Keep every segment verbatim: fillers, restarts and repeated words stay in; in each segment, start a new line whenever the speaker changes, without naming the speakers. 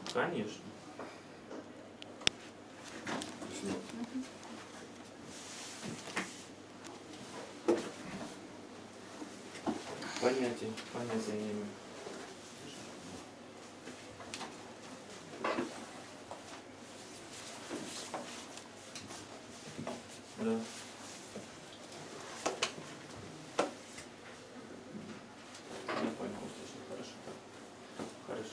Конечно.
Спасибо.
Понятие, понятия не имею. Да. Я понял, услышал. Хорошо. Хорошо.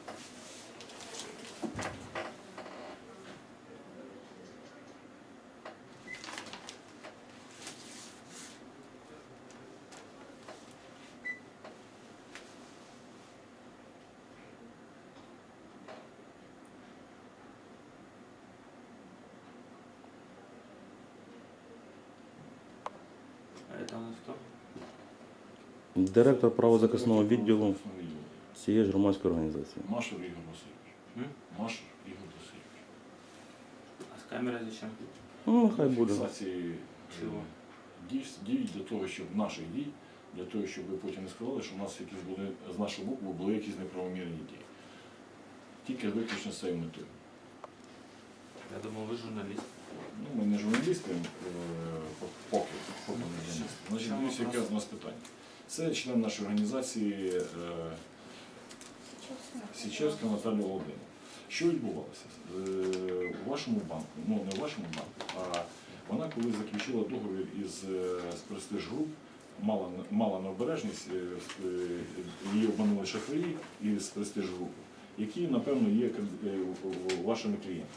А это у нас кто?
Директор правозахисного відділу
Правозахисного відділу.
цієї ж громадської організації.
Машер Ігор Васильович.
М?
Машер Ігор Васильович.
А с камерой зачем?
Ну, нехай буде.
Фіксації
Чого?
дій, дій для того, щоб наших дій, для того, щоб ви потім не сказали, що у нас якісь були з нашого боку були якісь неправомірні дії. Тільки виключно з цією метою.
Я думал, вы журналист.
Ну, ми не журналісти, е, поки, поки не журналісти. Значить,
Чому
дивіться, яке
вопрос?
у нас питання. Це член нашої організації е, Січевська Наталія Володимирівна. Що відбувалося? Е, У вашому банку, ну не у вашому банку, а вона коли заключила договір із е, з Престиж Груп, мала, мала необережність, е, е, її обманули шахраї із Престиж Груп, які, напевно, є е, вашими клієнтами.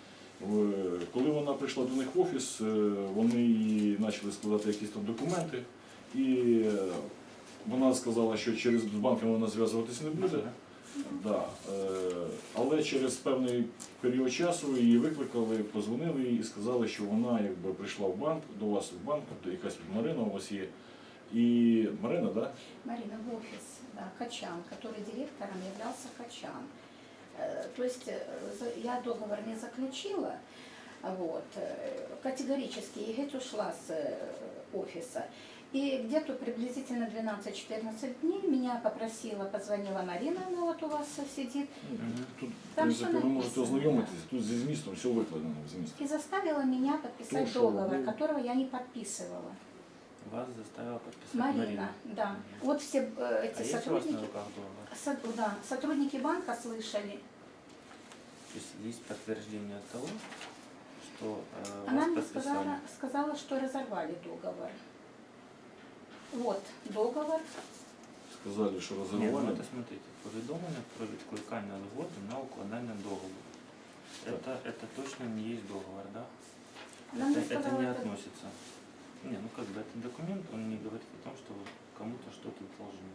В- Коли вона прийшла до них в офіс, е, вони їй почали складати якісь там документи, і е, вона сказала, що через з банком вона зв'язуватися не буде. Да. е, Але через певний період часу її викликали, позвонили їй і сказали, що вона якби прийшла в банк, до вас в банк, тобто якась Марина у вас є. І Марина, так? Да?
Марина, в офис, да, Хачан, который директором являлся Хачан. Э, То есть э, за- я договор не заключила, вот, э, категорически Игорь ушла с э, офиса. И где-то приблизительно двенадцать-четырнадцать дней меня попросила, позвонила Марина, она вот у вас сидит,
Мгм.
Тут, в
Там
принципі,
все
ви можете
написано,
ознайомитися, тут зі змістом все викладено в змісті.
и заставила меня подписать
То, что
договор,
вы-
которого я не подписывала.
Вас заставила подписать
Марина,
Марина.
да. Вот все э,
А
эти
есть у вас на
сотрудники,
руках договор?
со- да, сотрудники банка слышали.
То есть есть подтверждение того, что э,
Она
вас
мне
подписали?
сказала, сказала, что разорвали договор. Вот договор.
Сказали, що
Ні, ну
розірвали.
это смотрите, повідомлення про відкликання згоди на укладання договору. Это, это точно не есть договор, да?
Она
Это,
мне
это
сказала,
не
это-
относится. Не, ну как бы это документ, он не говорит о том, что вы кому-то что-то должны.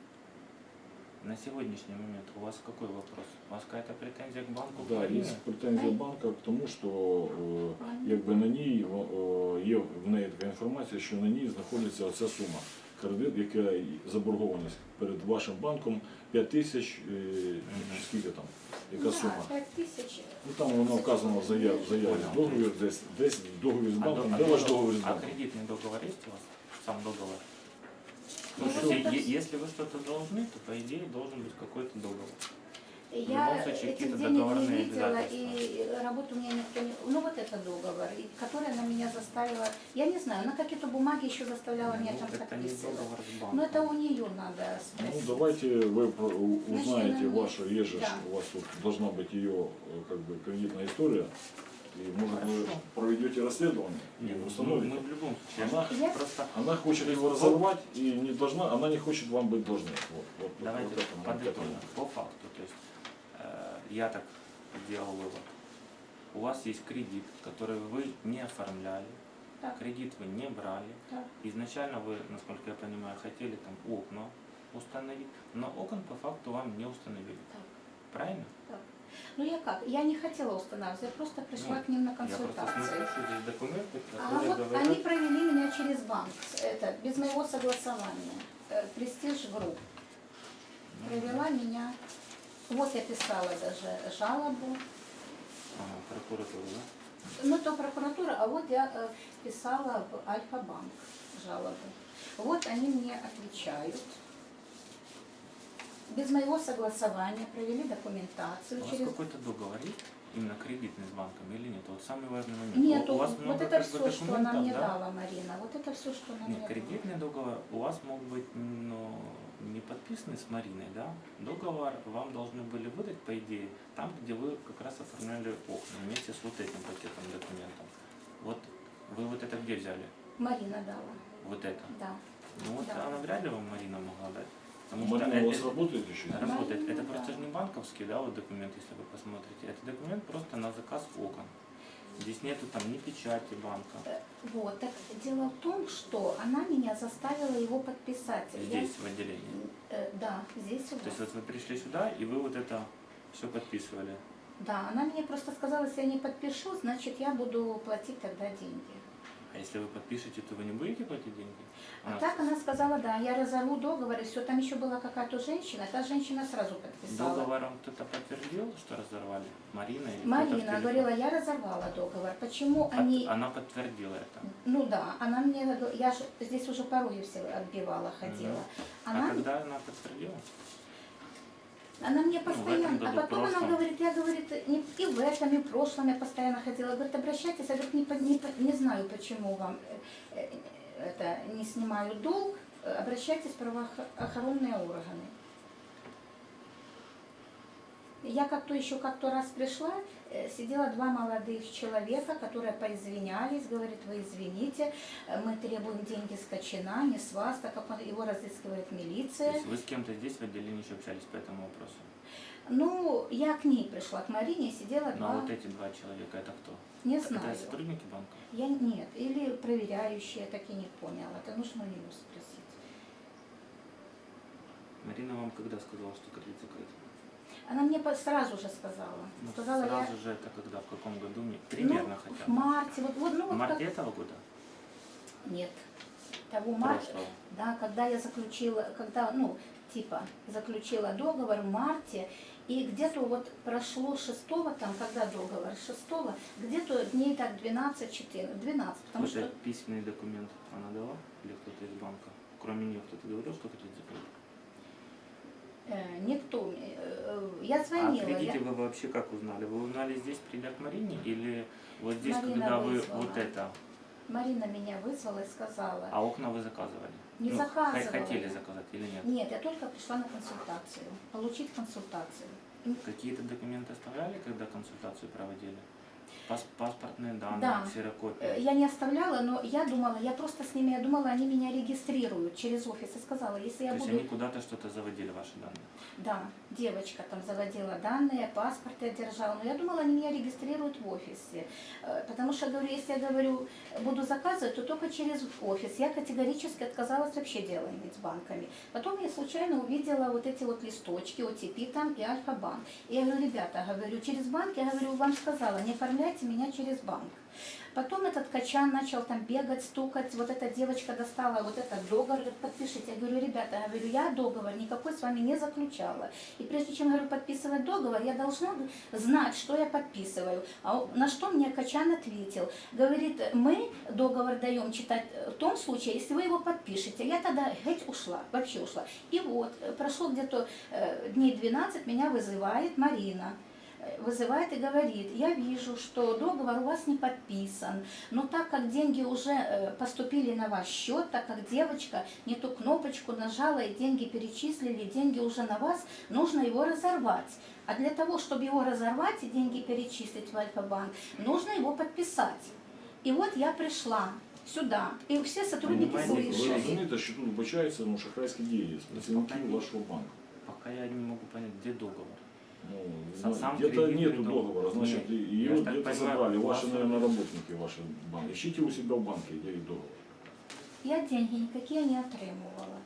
На сегодняшний момент у вас какой вопрос? У вас какая-то претензия к банку
Да, є
Украины?
претензія банка к тому, що е, якби на ній о, є в неї така інформація, що на ній знаходиться оця сума. Кредит, яка заборгованість перед вашим банком п'ять тисяч, е, чи скільки там, яка
Да,
сума.
пять тысяч.
Ну там воно вказано в заяві, в заяві
Понял.
договір, десь, десь в договір з
А,
банком.
до-
Де
а
ваш
договор-
договір з
а
банком?
кредитный договор есть у вас? Сам договор?
Ну,
То
вот
есть,
это
е-
вс-
если вы что-то должны, то по идее должен быть какой-то договор. любом
Я
случае,
этих
какие-то
денег не
договорные
видела,
обязательства.
и работу у меня никто не... Ну вот это договор, и который она меня заставила... Я не знаю, она какие-то бумаги еще заставляла меня
Ну,
там
это не
подписывать.
договор с банком.
Но это у нее надо
Ну
спросить.
давайте вы про- у-
Значит,
узнаете
она мне-
вашу, есть же,
Да.
у вас тут должна быть ее э, как бы кредитная история. И может вы
Хорошо.
проведете расследование
Не,
и
ну, мы,
установите.
мы в любом случае.
Она-
я просто
Она хочет его разорвать и не должна, она не хочет вам быть должной. Вот, вот,
давайте
вот это, вот это.
подытожим по факту. То есть э, я так сделал вывод. У вас есть кредит, который вы не оформляли,
Так.
кредит вы не брали.
Так.
Изначально вы, насколько я понимаю, хотели там окна установить, но окон по факту вам не установили.
Так.
Правильно?
Ну я как? Я не хотела устанавливать, я просто пришла
Ну,
к ним на
Я просто
консультации.
смотрю, что здесь документы,
А
которые
вот
говорят...
они провели меня через банк, это, без моего согласования. Э, Престиж Групп. Провела меня. Вот я писала даже жалобу.
Ага, прокуратура, да?
Ну, то прокуратура, а вот я э, писала в Альфа-банк жалобу. Вот они мне отвечают. без моего согласования провели документацию
У вас
через...
какой-то договор есть? Именно кредитный с банком или нет? Вот самый важный момент.
Нет,
у, у вас
вот
много
это
как бы
все, что она
документов,
мне
да?
дала, Марина, вот это все, что она
Нет,
мне
кредитный договор у вас мог быть ну, не подписанный с Мариной, да? Договор вам должны были выдать, по идее, там, где вы как раз оформляли окна вместе с вот этим пакетом документов. Вот вы вот это где взяли?
дала. Марина дала,
Вот это.
да.
Ну вот
Да.
она вряд ли вам Марина могла дать. Потому что
Марина у вас
это-
работает еще?
это работает.
Марина,
Это
да.
просто же не банковский, да, вот документ, если вы посмотрите. Это документ просто на заказ окон. Здесь нету там ни печати банка.
Э, Вот, так дело в том, что она меня заставила его подписать. Я-
Здесь, в отделении.
э, да, здесь у
То есть
вас.
вот вы пришли сюда, и вы вот это все подписывали.
Да, она мне просто сказала, если я не подпишу, значит я буду платить тогда деньги.
А если вы подпишете, то вы не будете платить деньги?
А
Она
так она сказала, да, я разорву договор, и все. Там еще была какая-то женщина, та женщина сразу подписала.
договором кто-то подтвердил, что разорвали? Марина или кто-то в
Марина
телефоне?
говорила, я разорвала договор. Почему
От-
они...
Она подтвердила это.
Ну да, она мне, говорила- я же здесь уже порой все отбивала, ходила.
А
Она,
когда она подтвердила?
она мне
в этом
постоянно, а
году,
потом она
прошлом.
говорит, я, говорит, не, и в этом, и в прошлом я постоянно ходила. Говорит, обращайтесь, я говорит, не, по- не, по- не знаю, почему вам э, э, это не снимаю долг, э, обращайтесь в правоохранные органы. Я как-то еще как-то раз пришла, э, сидела два молодых человека, которые поизвинялись, говорит, вы извините, э, мы требуем деньги с Качана, не с вас, так как он- его разыскивает
То
милиция.
есть вы с кем-то здесь в отделении еще общались по этому вопросу?
Ну, я к ней пришла, к Марине, сидела
Ну
два,
а вот эти два человека, это кто?
не
Это
знаю.
сотрудники банка?
Я нет, или проверяющие, так и не поняла, это нужно у нее спросить.
Марина вам когда сказала, что кредит закрыт?
Она мне по- сразу же сказала,
Ну,
сказала я...
сразу же это когда, в каком году? Мне- Примерно
ну,
хотя
в
бы.
марте, вот, вот, ну,
В
вот
марте
как...
этого года?
Нет, того марта,
Прошлого.
да, когда я заключила, когда, ну, типа, заключила договор в марте, и где-то вот прошло шестого, там, когда договор, шестого, где-то дней так двенадцать-четырнадцать, двенадцать, потому
Вот
что...
этот письменный документ она дала? Или кто-то из банка? Кроме нее кто-то говорил, что кредит закрыт?
Э, никто мне, э, я
А
звонила,
о кредите
я-
вы вообще как узнали? Вы узнали здесь, придя к Марине, или вот здесь,
Марина
когда вы
вызвала.
вот это,
Марина меня вызвала и сказала,
а окна вы заказывали?
Не
Ну,
заказывала
х- Хотели
я.
заказать или нет?
нет, я только пришла на консультацию, получить консультацию.
Какие-то документы оставляли, когда консультацию проводили? Пас- паспортные данные,
Да. Э,
ксерокопии?
Я не оставляла, но я думала, я просто с ними, я думала, они меня регистрируют через офис. И сказала, если
То
я
есть
буду...
они куда-то что-то заводили, ваши данные?
Да, девочка там заводила данные, паспорт я держала, но я думала, они меня регистрируют в офисе. Э, Потому что, говорю, если я говорю, буду заказывать, то только через офис. Я категорически отказалась вообще дело иметь с банками. Потом я случайно увидела вот эти вот листочки, о ти пи там и Альфа-банк. И я говорю, ребята, говорю, через банк, я говорю, вам сказала, не оформляйте меня через банк. Потом этот Качан начал там бегать, стукать, вот эта девочка достала вот этот договор, говорит, подпишите. Я говорю, ребята, я говорю, я договор никакой с вами не заключала. И прежде чем, говорю, подписывать договор, я должна знать, что я подписываю. А он- на что мне Качан ответил? Говорит, мы договор даем читать в том случае, если вы его подпишете. Я тогда хоть ушла, вообще ушла. И вот, э, прошло где-то э, дней двенадцать, меня вызывает Марина. Вызывает и говорит, я вижу, что договор у вас не подписан, но так как деньги уже э, поступили на ваш счет, так как девочка не ту кнопочку нажала и деньги перечислили, деньги уже на вас, нужно его разорвать. А для того, чтобы его разорвать и деньги перечислить в Альфа-банк, нужно его подписать. И вот я пришла сюда, и все сотрудники
Понимаете,
Ви
слышали.
розумієте, що тут вбачаються ну, шахрайські дії з працівників вашого банку.
Пока я не могу понять, где договор.
Ну,
Сам-
ну,
сам
где-то
кредитный
нету
договор.
договора, значит,
Нет,
и-
я
ее
так
где-то
понимаю,
забрали,
у
ваши,
вас-
наверное, работники ваши банки. Ищите у себя в банке, где их договор.
Я деньги никакие не отримувала.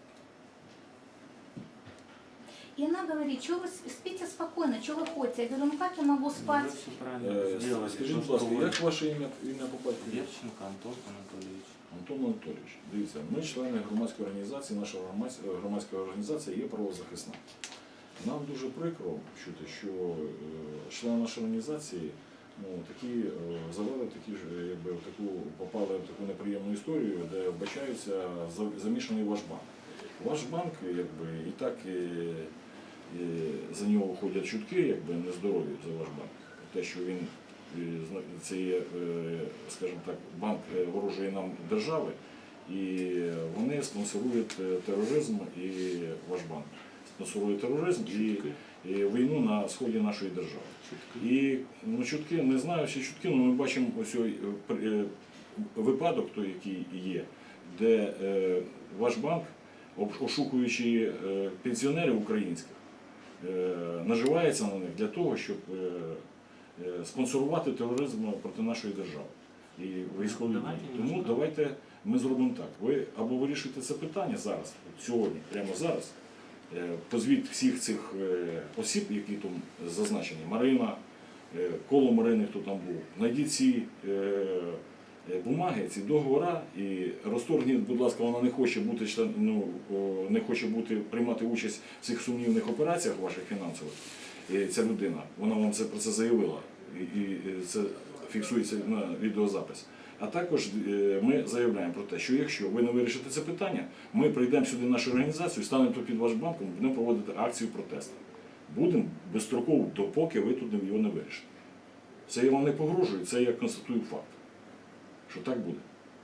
И она говорит, что вы спите спокойно, что вы ходите? Я говорю, ну как я могу
Вы
спать?
все правильно
Е,
сделали.
Скажіть,
то,
будь ласка,
что вы-
як ваше ім'я, ім'я по батькові?
Верченко Антон Анатольевич.
Антон Анатолійович, дивіться, ми члени громадської організації, наша громадсь- громадська організація є правозахисна. Нам дуже прикро чути, що е, члени нашої організації ну, такі, е, завели такі ж, е, якби, в таку, попали в таку неприємну історію, де вбачаються за- замішаний ваш банк. Ваш банк, якби, і так і, і за нього ходять чутки, якби нездорові за ваш банк. Те, що він е, зна- це є, е, скажімо так, банк е, ворожої нам держави, і вони спонсорують е, тероризм і ваш банк. Спонсорує тероризм і, і війну на сході нашої держави.
Чутки.
І ну, чутки, не знаю всі чутки, але ми бачимо ось ой, е, е, випадок, той, який є, де е, ваш банк, об- ошукуючи е, пенсіонерів українських, е, наживається на них для того, щоб е, е, спонсорувати тероризм проти нашої держави і військові дії.
Давайте
Тому
немножко.
давайте ми зробимо так. Ви або вирішуєте це питання зараз, сьогодні, прямо зараз. Е, Позвіть всіх цих е, осіб, які там зазначені, Марина, е, коло Марини, хто там був, знайдіть ці е, е, бумаги, ці договори і розторгніть, будь ласка, вона не хоче бути член, ну, о, не хоче бути, приймати участь в цих сумнівних операціях ваших фінансових. І ця людина, вона вам це про це заявила, і, і це фіксується на відеозапис. А також е, ми заявляємо про те, що якщо ви не вирішите це питання, ми прийдемо сюди в нашу організацію, станемо тут під ваш банком, будемо проводити акцію протесту. Будемо безстроково, допоки ви тут його не вирішите. Це я вам не погрожую, це я констатую факт, що так буде.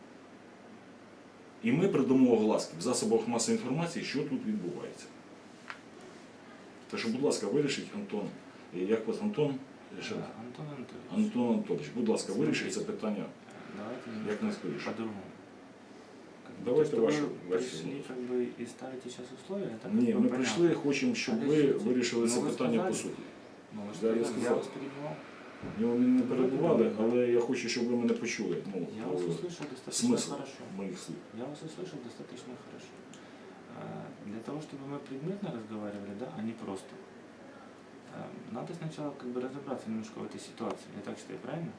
І ми придамо огласки в засобах масової інформації, що тут відбувається. Так що, будь ласка, вирішіть, Антон, е, як вас Антон? Ще раз.
Да, Антон Анатольевич,
Антон Анатолійович, будь ласка, вирішіть це питання.
давайте
Як
немножко
найскоріше.
по-другому. Как бы
Давайте
то, что
вашу
вы
версию.
пришли как бы и ставите сейчас условия, это как
Ні,
бы
ми
понятно.
прийшли, хочемо, щоб ви
Подождите.
вирішили це
Ну, ви
питання по
сказали.
суті.
Ну, вы
Да, я
сказали, я
сказал.
вас перебивал.
Ні, ви мене не перебували, але я хочу, щоб ви мене почули. Ну,
Я вас
е,
услышал достаточно
смисл
хорошо.
моїх слів.
Я вас услышал достаточно хорошо. А, Для того, чтобы мы предметно разговаривали, да, а не просто, а, надо сначала как бы разобраться немножко в этой ситуации. Я так считаю, правильно?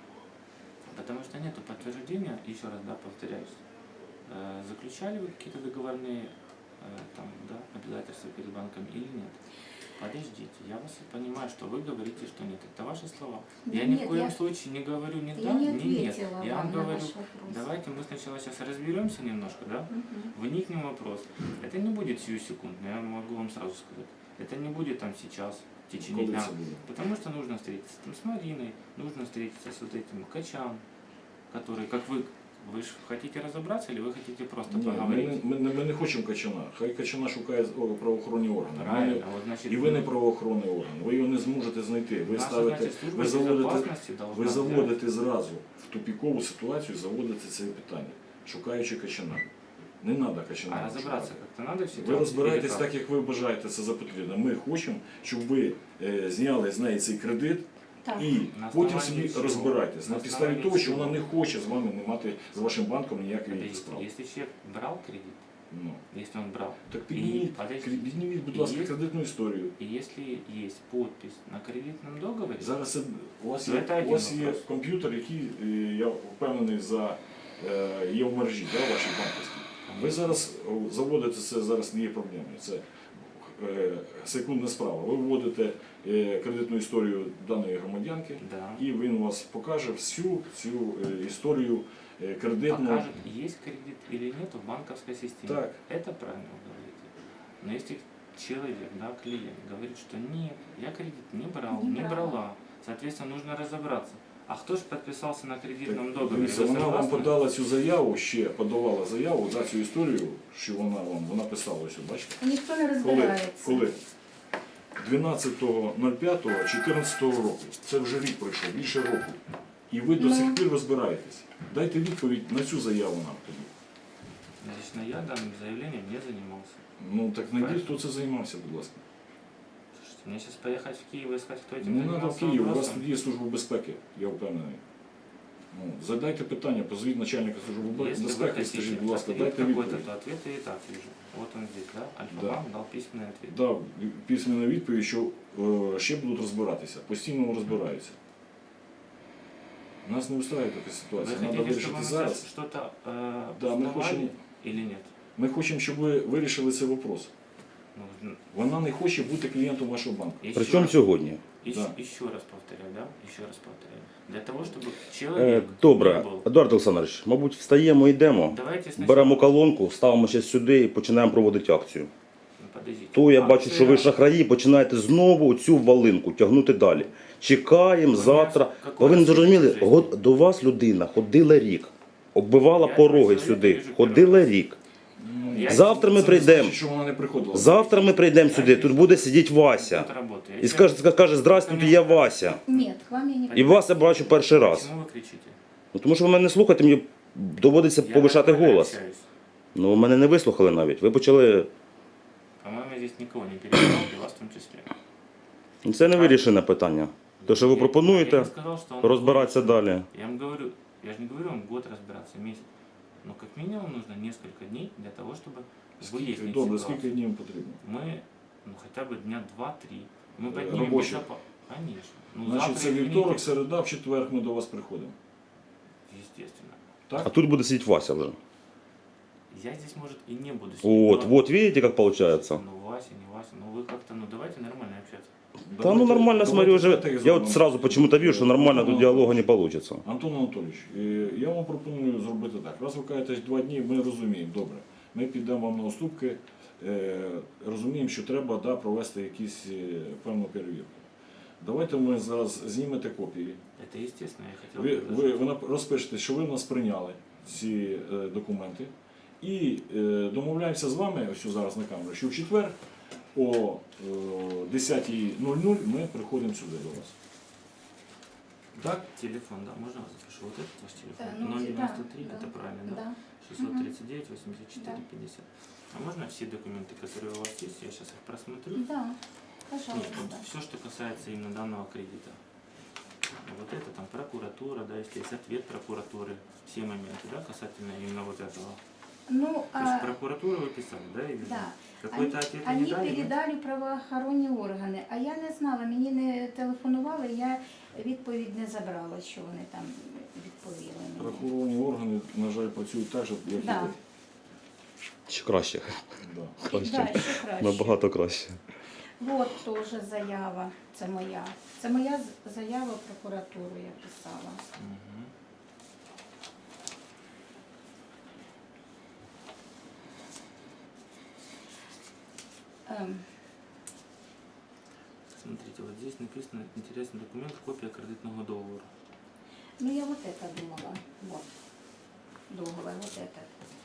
Потому что нет подтверждения, еще раз, да, повторяюсь, э, заключали вы какие-то договорные э, там, да, обязательства перед банком или нет? Подождите, я вас понимаю, что вы говорите, что нет. Это ваши слова.
Да
Я ни
нет,
в коем
я-
случае не говорю ни
Я
да,
не
ни нет.
ответила
Я
вам
вам
на
говорю,
ваш вопрос.
давайте мы сначала сейчас разберемся немножко, да?
Мгм.
Вникнем в вопрос. Это не будет сию секундно, я могу вам сразу сказать. Это не будет там сейчас, в течение
Коли
дня.
це буде?
Потому что нужно встретиться там с Мариной, нужно встретиться с вот этим Качан, который, как вы, вы же хотите разобраться или вы хотите просто
Ні, ми,
поговорить?
не- ми, не- ми не хочемо Качана. Хай Качана шукає о, правоохоронні органи. Ми не-
Правильно, вот значит,
І ви не правоохоронний орган. Ви його не зможете знайти. Ви
наша,
ставите,
значит, служба
ви заводите,
безопасности должна
ви
взять.
заводите зразу в тупікову ситуацію, заводите це питання, шукаючи Качана. Не треба Качана.
А разобраться
шукати.
как-то надо в ситуации?
Ви розбираєтесь
или
так, як ви бажаєте це за потрібне. Ми хочемо, щоб ви е, зняли з неї цей кредит
Так.
і
На
потім
основании
собі
чого?
розбирайтесь. На
На
підставі
основании
того, що
чого?
вона не хоче з вами не мати з вашим банком ніякої
Подождите,
справи.
если человек брал кредит,
Ну.
если он брал,
Так
И,
підніміть,
подождите,
підніміть, будь
і
ласка,
є-
кредитну історію.
и если есть подпись на кредитном договоре,
Зараз це- у вас
Ну,
є,
це
у вас
один
є
вопрос.
комп'ютер, який, е, я впевнений, за, е, є в мережі, да, вашій банківській. Ви зараз о, заводите це, зараз не є проблемою. Це е, секундна справа. Ви вводите е, кредитну історію даної громадянки,
да,
і він вас покаже всю цю е, історію е, кредитну.
покажет, есть кредит или нет в банковской системе.
Так.
Это правильно вы говорите. Но если человек, да, клиент, говорит, что нет, я кредит не брал,
Не
не,
брала.
брала, соответственно, нужно разобраться. А кто же подписался на кредитном
Так,
договоре?
дивіться,
Вы
вона вам
согласны?
подала цю заяву, ще подавала заяву за цю історію, що вона вам вона писала ось, бачите?
Ніхто не
Коли?
розбирається.
Коли? дванадцятого п'ятого чотирнадцятого року. Це вже рік пройшов, більше року. І ви до
Ну.
сих пір розбираєтесь. Дайте відповідь на цю заяву нам тоді.
Лично я данным заявлением не занимался.
Ну так знайдіть, хто це займався, будь ласка.
Слушайте, мне сейчас поехать в Киев и искать, кто этим
Не треба в
занимался
Київ, у вас
вопросом.
тут є служба безпеки, я впевнений. Ну, задайте питання, позвіть начальника служби
Если вы
безпеки,
хотите
скажіть, будь ласка,
ответ
дайте
какой-то,
відповідь.
то ответ я и так вижу. Вот он здесь, да?
Да.
Альфа-банк дал письменный ответ.
Дав письменну відповідь, що е, ще будуть розбиратися, постійно розбираються. Нас не устраиває така
Вы
ситуація. Треба
хотите,
вирішити
чтобы мы
зараз.
сейчас что-то э,
Да, мы
узнавали
хотим-
или нет?
Ми хочемо, щоб ви вирішили цей вопрос.
Ну,
Вона не хоче бути клієнтом вашого банку.
еще
Причому
раз-
сьогодні?
Еще,
Да.
еще раз повторяю, да? Еще раз повторяю. Для того, чтобы
Е,
человек
Добре,
не был...
Едуард Олександрович, мабуть, встаємо, йдемо.
Давайте сначала...
Беремо колонку, ставимо ще сюди і починаємо проводити акцію.
Ну, подождите.
То я бачу,
Акция-
що ви шахраї, починаєте знову цю валинку тягнути далі. Чекаємо
Ви
завтра.
мене-
Бо ви не зрозуміли,
Какой
го- до вас людина ходила рік, оббивала
Я
пороги
чоловік
сюди,
вижу
ходила рік.
Ну,
Я-
Завтра ми
це не
прийдемо.
значить, що вона не приходила.
Завтра ми прийдемо сюди, тут буде сидіти Вася.
Тут работаю.
І скаже, скаже, здравствуйте, я Вася.
Нет, к вам я не
І вас я бачу перший раз.
Почему вы кричите?
Ну, тому що ви мене не слухаєте, мені доводиться
Я
повишати
нормально
голос.
общаюсь.
Ну, ви мене не вислухали навіть. Ви почали.
По-моему, я здесь никого не перебивал, и вас в том числе.
Ну, це не вирішене питання. То, що ви
Я-
пропонуєте,
я не сказал, что он
розбиратися
будет.
далі.
Я вам говорю, я же не говорю вам год разбираться, месяц. Но как минимум нужно несколько дней для того, чтобы
Скільки,
выяснить
добре,
ситуацию.
скільки днів потрібно?
Мы, ну хотя бы дня два-три. Мы
Э,
поднимем
рабочих?
безопа- Конечно. Ну,
Значить,
завтра,
це
извините,
вівторок, середа, в четвер ми до вас приходимо.
Естественно.
А
Так?
тут буде сидіти Вася вже.
Я здесь, может, и не буду сидеть.
От,
но-
от, видите, як виходить?
Ну, Вася, не Вася. Ну, вы как-то, ну, давайте нормально общаться.
Та ну нормально, смотрю, уже.
давайте
Я
зробимо.
от сразу почему-то вижу, що нормально тут діалогу не вийде.
Антон Анатолійович, е, я вам пропоную зробити так. Раз ви кажете два дні, ми розуміємо, добре. Ми підемо вам на уступки, е, розуміємо, що треба да, провести якісь е, певну перевірку. Давайте ми зараз знімете копії.
Это естественно, я хотел
Ви,
бы
ви,
даже-
ви нап- розпишете, що ви в нас прийняли ці е, документи. І е, домовляємося з вами, ось зараз на камеру, що в четвер о е, десятій нуль нуль ми приходимо сюди до вас. Так?
Телефон, да, можно я запишу? Вот этот ваш телефон?
Да, ну,
ноль девяносто три,
да,
это
да,
правильно, да?
Да.
шестьсот тридцать девять восемьдесят четыре
Да.
пятьдесят. А можно все документы, которые у вас есть, я сейчас их просмотрю?
Да,
Нет,
пожалуйста.
вот все, что касается именно данного кредита. Вот это там прокуратура, да, если есть ответ прокуратуры, все моменты, да, касательно именно вот этого.
Ну,
То есть
а,
прокуратуру вы писали, да, или
да.
какой-то
Они,
ответ не
они
дали? да?
передали правоохоронні органи, а я не знала, мені не телефонували, я відповідь не забрала, що вони там відповіли мені.
Правоохоронні органи, на жаль, працюють так же, як і
Да.
ви.
Ще краще.
Да.
Краще.
Да, ще краще.
Набагато краще.
От теж заява, це моя. Це моя з- заява в прокуратуру я писала.
Мгм.
Ем,
Смотрите, вот здесь написано интересный документ, копия кредитного договору.
ну я вот это думала. Вот. Договор, вот это.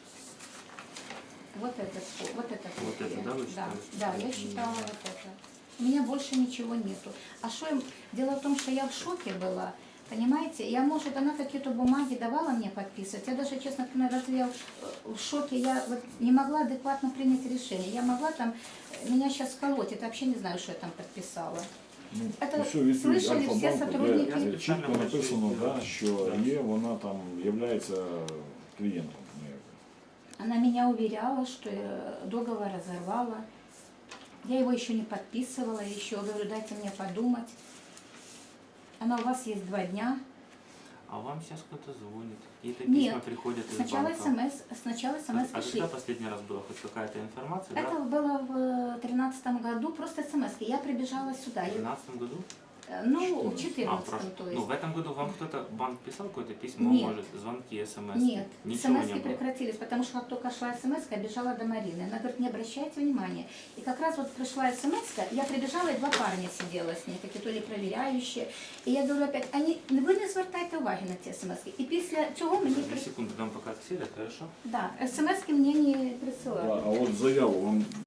Вот это, что- вот это.
Вот
копия.
это, да, вы
Да,
читали?
да, я читала вот это. У меня больше ничего нету. А что им... Дело в том, что я в шоке была. Понимаете, я, может, она какие-то бумаги давала мне подписывать. Я даже, честно говоря, разве я в шоке, я вот не могла адекватно принять решение. Я могла там, меня сейчас колоть, это вообще не знаю, что я там подписала.
Ну,
Это
усю відповідь
слышали всі
Альфа-банку,
сотрудники?
де чітко написано, да, що
Да.
є, вона там є клієнтом. ну, якби.
Она меня уверяла, что э, договор разорвала. Я его еще не подписывала, еще говорю, дайте мне подумать. Она у вас есть два дня.
А вам сейчас кто-то звонит, какие-то
Нет.
письма приходят из
Сначала
банка.
смс, сначала смс
А
пришли.
когда последний раз была хоть какая-то информация,
Это
да?
было в тринадцатом году, просто смс. Я прибежала сюда.
В
Я-
двенадцатом году?
э, Ну, в
четырнадцатом.
А,
четырнадцатом,
прошу.
то
Ну,
есть.
в этом году вам кто-то, банк писал какое-то письмо,
Нет.
может, звонки, смс?
Нет,
Ничего не
смс
было.
прекратились, потому что как только шла смс, я бежала до Марины. Она говорит, не обращайте внимания. И как раз вот пришла смс, я прибежала, и два парня сидела с ней, какие-то ли проверяющие. И я говорю опять, они, ви не звертайте уваги на ті смс. І після цього мені
Две
при...
секунды дам пока сидят, хорошо?
Да, смс мені не
Да,
присилали.
а от заяву вам